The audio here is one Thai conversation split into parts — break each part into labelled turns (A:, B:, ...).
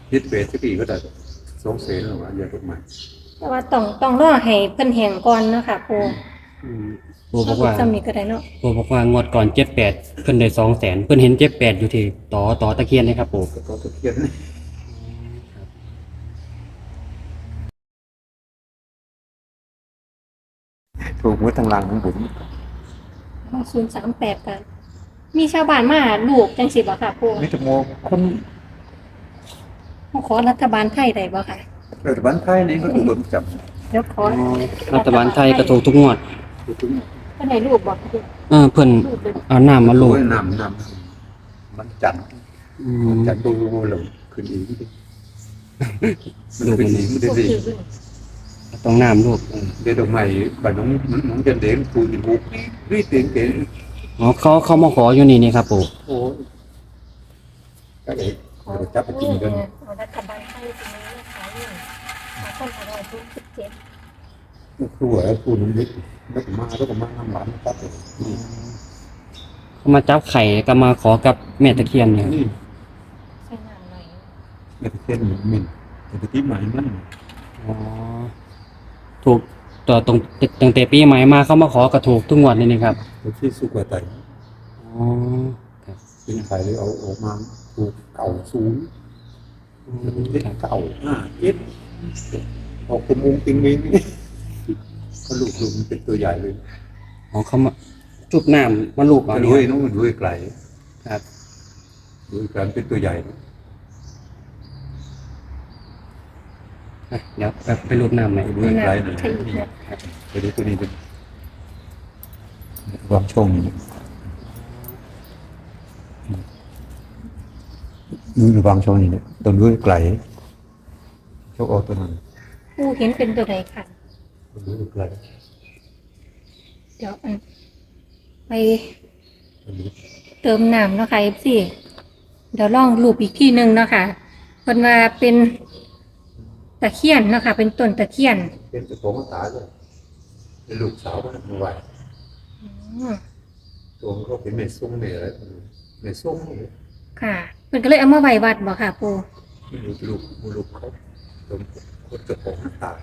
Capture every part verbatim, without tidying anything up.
A: ยึดเบสที่ปีก็ได้สองเซนหรือว่าเยอะกว่า
B: แต่ว่าต้องต้องรอให้เพิ่นแห้งก่อนเนาะค่ะปู
C: อืมปู่บอกว่า
B: จำนี้ก็ได้เนาะ
C: ปู่บอกว่างวดก่อนเจ็ดแปดเพิ่นได้สองแสนเพิ่นเห็นเจ็ดแปดอยู่ที่ต่อต่อตะเคียนนะครับปู่
A: ก็ตะเคียนนี่ถูกมือทางหลังของผม
B: ศูนย์สามแปดกันมีชาวบ้านมาลูกจังสิบ่ค่ะปู
A: มิตรโมคน
B: เขาขอรัฐบาลไทยได้บ่ค่ะ
A: รัฐบาลไทยนี่ก็ถูกโดนจับ
B: เดี๋ยวขอ
C: รัฐบาลไทยกระถูกทุกงวด
A: ถูกถึง
B: เพิ่นให้ลูกบ่ค่ะ
C: เออเพิ่น
B: ลูกเลย
C: เอาน้ำมา
A: โล
C: ลูบ
A: ยนำนำมันจัด
C: อื
A: มัน
C: ม
A: จัดดูหลงขึ้นอีกมันขึ้นอีกมัน
B: ลูก
A: ดี
B: คือเพิ่น
C: ต้องน้ำลูบเออ
A: เดี๋ยวดอกไม้บ้านน้องน้องจันเด้งปูนบุกรีเตียงเก๋
C: อ๋อเขาเขามาขออยู่นี่นี่ครับปู่
A: โอ้ก็เอ๋จับไปกินกัน
B: เอารัฐบาลไทยตรงนี้นะคะเนี่ยขอคนอร่อยทุกสิบเจ็ด
A: ครัวปูนนิดแล้วก็มาแล้วก็มาน้ำหวานครับ
C: เขามาจับไข่ก็มาขอกับแม่ตะเคียนเนี่ย
A: นี่
B: ใส่น้ำหน่อย
A: เม็ดเส้นมินแต่ที่ใหม่มัน
C: อ๋อถูกต่อตรงตั้งแต่ปีใหม่มาเขามาขอกระถูกทุกงวดเลยนี่ครับ
A: ที่สุกว่าไต
C: อ๋อครับ
A: เป็นไข่เลยเอาออกมาถูกเก่าสูง
C: อื
A: เป็น
C: ม
A: เล็ก
C: ครับ
A: เก่าห้าเจ็ดออกเป็นมุงติงมิงก็ลูกลูกมันเป็นตัวใหญ่เลย
C: อ๋อเขามาจุบน้ำมาลูบเอา
A: มัน
C: นี่
A: ด้วย
C: ครับ
A: น้องมันด้วยไกล
C: ครับ
A: ด้วยไกลเป็นตัวใหญ่
C: อ่ะเดี๋ยวแบบไปรูปน้ำหน่อย
A: ด้วยไกลนะ
B: ใช่อีกแล้ว
A: ไปดูตัวนี้ดูวางช่องนี่ดูวางช่องนี่เนี่ยตัวด้วยไกลช่องออกตัวนั้น
B: ปูเห็นเป็นตัวใดค่ะ
A: ตัวด้วยไกล
B: เดี๋ยวอันไป
A: ตัวนี้
B: เติมน้ำเนาะค่ะ เอฟ ซี เดี๋ยวลองรูปอีกที่หนึ่งเนาะค่ะเพิ่นว่าเป็นตะเคียนเนาะค่ะ เป็นต้นตะเคียน
A: เป็นเจ้าของตาเลยเป็นลูกสาวมันมาไหว
B: อืม
A: ตัวมันก็เป็นเมซุ่งเมอะไรเมซุ่งเลย
B: ค่ะเพิ่นก็เลยเอามาไว้วัดบ่ค่ะปู
A: มันลูกลูกมันลูกเขาตัวคนเจ้าของตา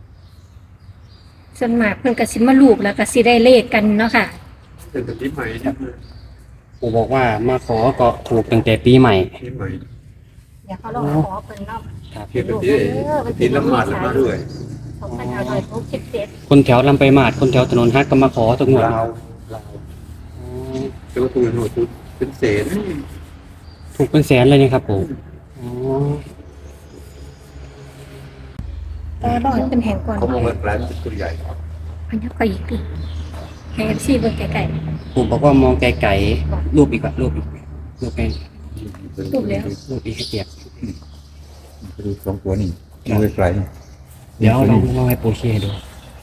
B: ส่วนมากเพิ่นก็สิมาลูกแล้วก็สิได้เลขกันเนาะค่ะ
A: เป็นแบบนี้ใหม่เนี่ย
C: ปู่บอกว่ามาขอก็ถูกตั้งแต่ปีใหม่
A: นี่ใหม่
B: เดี๋ยวเขาลองขอเพิ่นเนาะ
C: ครับ
A: เพียงแบบนี้ทีละหมาดละมาด้วย
B: สองพันห้าร้อยหกสิบเจ็ด
C: คนแถวลำไปมาดคนแถวถนนฮักก็มาขอทุกงวด
A: ลาวลาว
C: อ๋อ
A: เจ้าตัวหนูตัวเป็นเศษ
C: ถูกเป็นแสนเลยนี่ครับปู่อ๋อ
B: แต่รอให้เป็นแห่งก่อน
A: เขาบอกว่าแกลมเป็นตัวใหญ่
B: อันนี้ก็อีกดิให้ เอฟ ซี เบิ่งไกล
C: ปู่บอกว่ามองไกลๆรูปอีกอะรูปอีกรูปไปรูปอีกให้เปียก
A: ไปดูสองตัวนี่ดูไกล
C: เดี๋ยวลองลองให้ปู่ชี้ให้ดู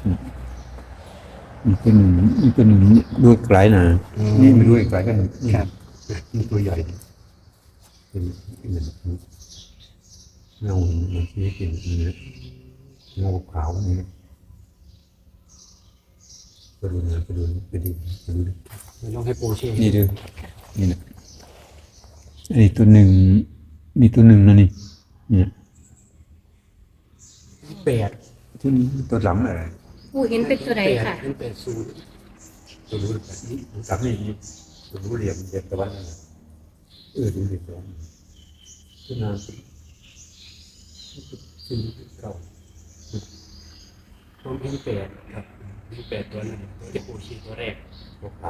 A: อีกตัวหนึ่งอีกตัวหนึ่งดูไกลนะนี่ไม่ดูไกลกัน
C: ครับ
A: นี่ตัวใหญ่เป็นเหมือนเงามันชี้เป็นเนื้อเงาขาวนี่ไปดูนะไปดูไปดูไปดู
C: ลองให้ปู่ชี้
A: นี่ดูนี่นะนี่ตัวหนึ่งนี่ตัวหนึ่งนะนี่เนี่ย
C: แปด
A: ที่นี่ตัวหลังอะไร
B: ๆปูเห็นเป็นตัวใดค่ะ
C: เป็นแปดศูนย์
A: ตัวรู้แบบนี้หลังนี่ตัวรู้เหลี่ยมเด่นตะวันเออดูเหลี่ยมตะวันขึ้นมาขึ้นเก้า
C: ผมเป็นแปดครับเป็นแปดตัวนึงตัวที่ปู่ชี้ตัวแรก
A: ตัวขาว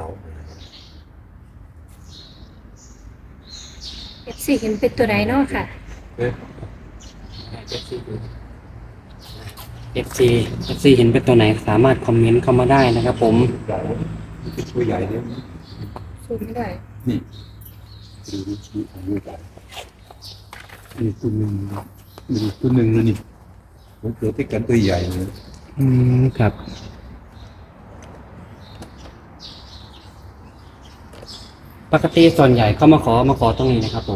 B: เอฟ ซี เห็นเป็นตัวใดเนาะค่ะ
A: เอ๊ะ
C: เอฟซีเอฟซีเอฟซีเห็นเป็นตัวไหนสามารถคอมเมนต์เข้ามาได้นะครับผม
A: ใหญ่เป็นตัวใหญ่เนี่ย
B: ซูมไม่ได้
A: นี่ดูดูดูดูใหญ่นี่ตัวหนึ่งนี่ตัวหนึ่งนะนี่ผมเกิดที่กันตัวใหญ่เลย
C: อืมครับ ปกติส่วนใหญ่เขามาขอมาขอตรงนี้นะครับผม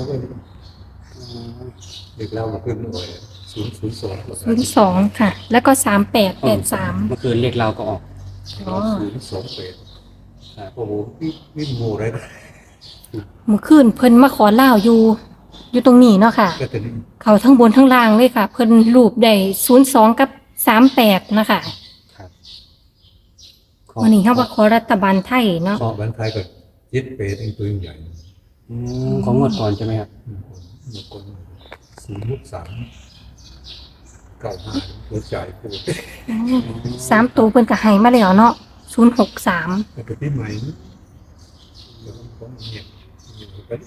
A: เด็กเรามาขึ้นหน่อยศูนย์ศูนย์สอง
B: ศูนย์สองค่ะ แล้วก็สามแปดแปดสาม
C: เมื่อคืนเรียกเราก็ออก
B: อ๋อ
A: ศูนย์สองเป็ด
C: ครับ
A: โอ้โหพี่พี่โมเลยนะ
B: เมื่อคืนเพิ่นมาขอเล่าวอยู่อยู่ตรงนี้เนาะค่ะ
A: ก็ตัวนี้
B: เขาทั้งบนทั้งล่างเลยค่ะ เพิ่นรูปได้ศูนย์สองกับสามแปดนะคะ
C: ครับ
B: วันนี้เขาว่าขอรัฐบาลไทยเนาะ
A: ขอบันไทยก็ยึดเปรตเป็นตัวใหญ่
C: อืมของงวดก่อนใช่ไหมครับ
A: หนึ่งคนศูนย์ลูกสามเก้าห้าหัวใจพูด
B: สามตัวเพิ่นก็ให้มาแล้วเนาะศูนย์หกสาม
A: แต่เป็นที่ใหม่นะเดี๋ยวผมเงียบเงียบไป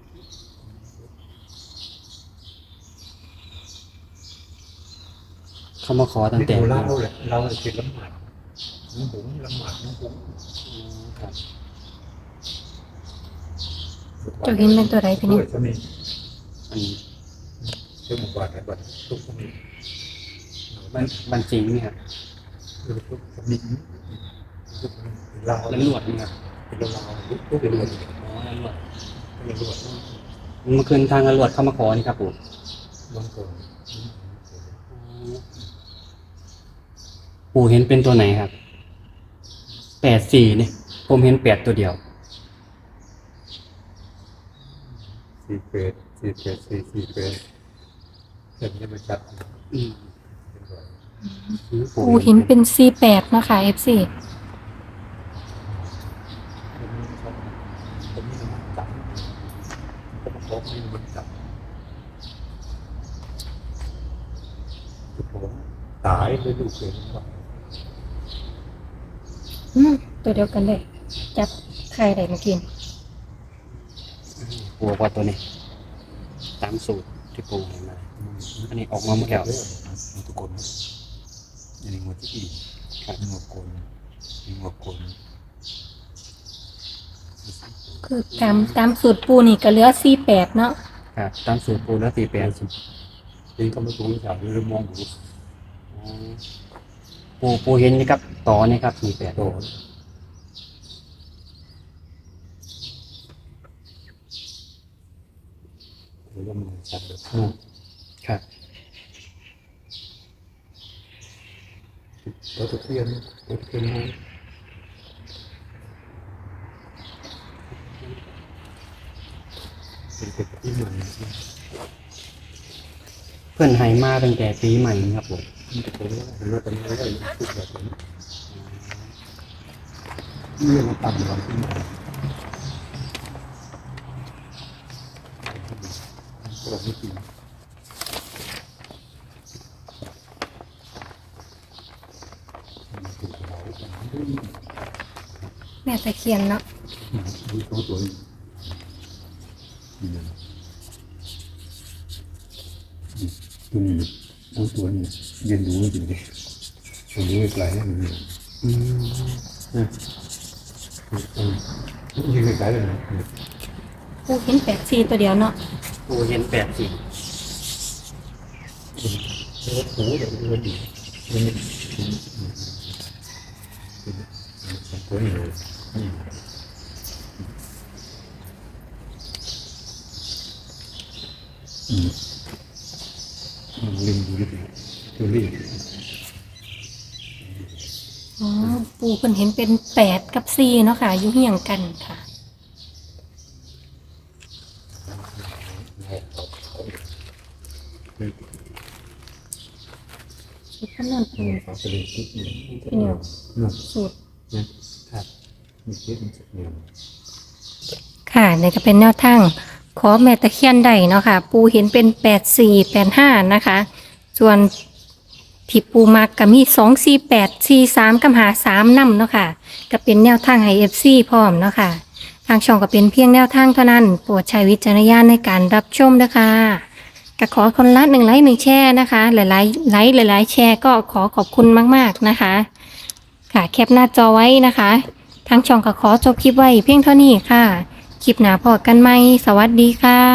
C: เขามาขอตั้ง
A: นี่
C: แต่
A: เราเราแหละเราเป็นละหมาดน้องหงละหมาดน้องหง
C: ครับ
B: เจ้าเห็นเป็นตัวใดเป็นนี่
A: จะมี
C: อัน
A: เจ้าหมู่บ้านไหนบ้านทุกคนมี
C: บันบันจริงนี่ครับ
A: ทุกคนมีทุกคนเรา
C: แล้วลวดนี่ครับ
A: เป็นเราทุกทุกเป็นเรา
C: อ๋อแล้วลวด
A: เป็นเรา
C: เมื่อคืนทางตำรวจเข้ามาขอนี่ครับปู่
A: บางคน
C: ปู่เห็นเป็นตัวไหนครับแปดสี่เนี่ยผมเห็นแปดตัวเดียว
A: สี่เปรตสี่เปรตสี่สี่เปรตเห็นยังไม่ชัด
C: อืม
B: ปูเห็นเป็นสี่แปดเนาะค่ะ เอฟ ซี
A: ผมมีมันจับผมบอกมีมันจับผมตายเลยดูเกินไป
B: อืมตัวเดียวกันเลย จับใครได้มากิน
C: ปู่บอกว่าตัวนี้ตามสูตรที่ปู่ให้มา อันนี้ออกมาหมดแล้ว
A: ทุกคนอันนี้งวดที่อีกงวดคนงวดคน
B: คือตามตามสูตรปูนี่ก็เหลือสี่แปดเนาะ
C: ครับตามสูตรปู่แล้วสี่แปดสิบ
A: เองก็ไม่รู้จักหรือมองดู
C: ปู่ปู่เห็นนี่ครับต่อนี่ครับสี่แปด
A: โตหรือว่ามันชัดแบบ
C: ครับ
A: รถตะเคียนรถตะเคียนมันเป็นเป็ดที่ใหม่
C: เพื่อนให้มาตั้งแต่ปีใหม่นี่ครับผม
A: มันจะเป็นเห็นว่าเป็นอะไรทุกแบบนี้เรื่องมันต่ำกว่าที่ใหม่ก็ไม่จริง
B: แม่ตะเคียนเนาะ
A: ดูสองตัวนี้ตัวนี้สองตัวนี้เรียนรู้จริงดิตัวนี้ไกลๆนี่
C: อืม
A: ยืนไกลๆเลยนะ
B: ปูเห็นแปดสี่ตัวเดียวเนาะ
C: ปู่เห็นแปดสี่
A: โอ้โหเดี๋ยวดูดีตัวนี้สองตัวนี้เลยอืมลิงดูดิตัวนี้
B: อ๋อปูเพิ่นเห็นเป็นแปดกับสี่เนาะค่ะอยู่เฮียงกันค่ะสูตรคำนวณปู
A: ฝาสลิดนิดนึง
B: พี่นิว
A: นะ
B: สูตร
C: ครับ
A: มีเช็ดมันจะเหนียว
B: ค่ะนี่ก็เป็นแนวทางขอแม่ตะเคียนได้เนาะค่ะ ปูเห็นเป็นแปดสี่แปดห้านะคะ ส่วนที่ปูมักก็มีสองสี่แปดสี่สามกับหาสามนำเนาะค่ะ ก็เป็นแนวทางให้เอฟซีพร้อมเนาะค่ะ ทางช่องก็เป็นเพียงแนวทางเท่านั้น โปรดใช้วิจารณญาณในการรับชมนะคะก็ขอคนละหนึ่งไลค์หนึ่งแชร์นะคะ หลายๆไลค์หลายๆแชร์ก็ขอขอบคุณมากๆนะคะ ค่ะแคปหน้าจอไว้นะคะ ทางช่องก็ขอจบคลิปไว้เพียงเท่านี้ค่ะ คลิปหน้าพอกันไหมสวัสดีค่ะ